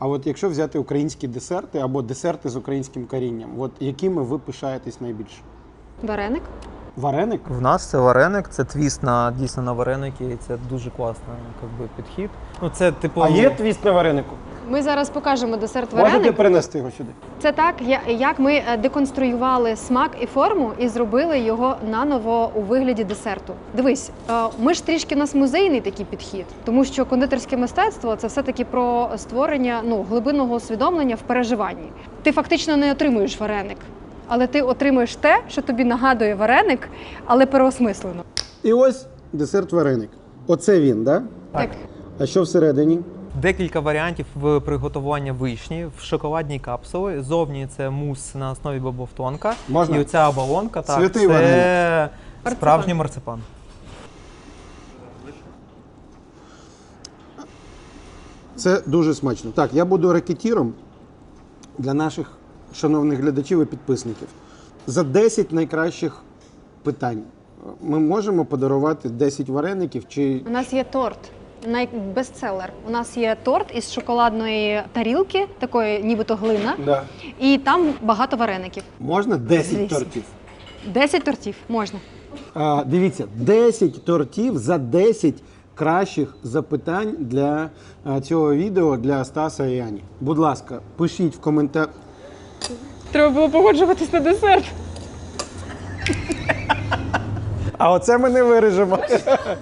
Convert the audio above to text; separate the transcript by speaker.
Speaker 1: А от якщо взяти українські десерти або десерти з українським корінням, от якими ви пишаєтесь найбільше?
Speaker 2: Вареник.
Speaker 1: Вареник?
Speaker 3: В нас це вареник, це твіст дійсно на вареники, і це дуже класний підхід. Ну, це, типу...
Speaker 1: А є твіст на варенику?
Speaker 2: Ми зараз покажемо десерт вареник.
Speaker 1: Можете принести його сюди?
Speaker 2: Це так, як ми деконструювали смак і форму і зробили його наново у вигляді десерту. Дивись, ми ж трішки у нас музейний такий підхід, тому що кондитерське мистецтво – це все-таки про створення глибинного усвідомлення в переживанні. Ти фактично не отримуєш вареник, але ти отримуєш те, що тобі нагадує вареник, але переосмислено.
Speaker 1: І ось десерт вареник. Оце він, да?
Speaker 2: Так.
Speaker 1: А що всередині?
Speaker 3: Декілька варіантів в приготування вишні в шоколадній капсулі. Зовні це мус на основі бобовтонка.
Speaker 1: Можна?
Speaker 3: І оця оболонка, так,
Speaker 1: Святий
Speaker 3: це
Speaker 1: вареник.
Speaker 3: справжній марципан.
Speaker 1: Це дуже смачно. Так, я буду рекетіром для наших шановних глядачів і підписників. За 10 найкращих питань ми можемо подарувати 10 вареників чи...
Speaker 2: У нас є торт. Бестселер. У нас є торт із шоколадної тарілки, такої нібито глина,
Speaker 1: Да.
Speaker 2: і там багато вареників.
Speaker 1: Можна 10
Speaker 2: Звісно.
Speaker 1: тортів?
Speaker 2: 10 тортів можна.
Speaker 1: Дивіться, 10 тортів за 10 кращих запитань для цього відео для Стаса і Ані. Будь ласка, пишіть в коментарях.
Speaker 2: Треба було погоджуватись на десерт.
Speaker 1: А оце ми не виріжемо.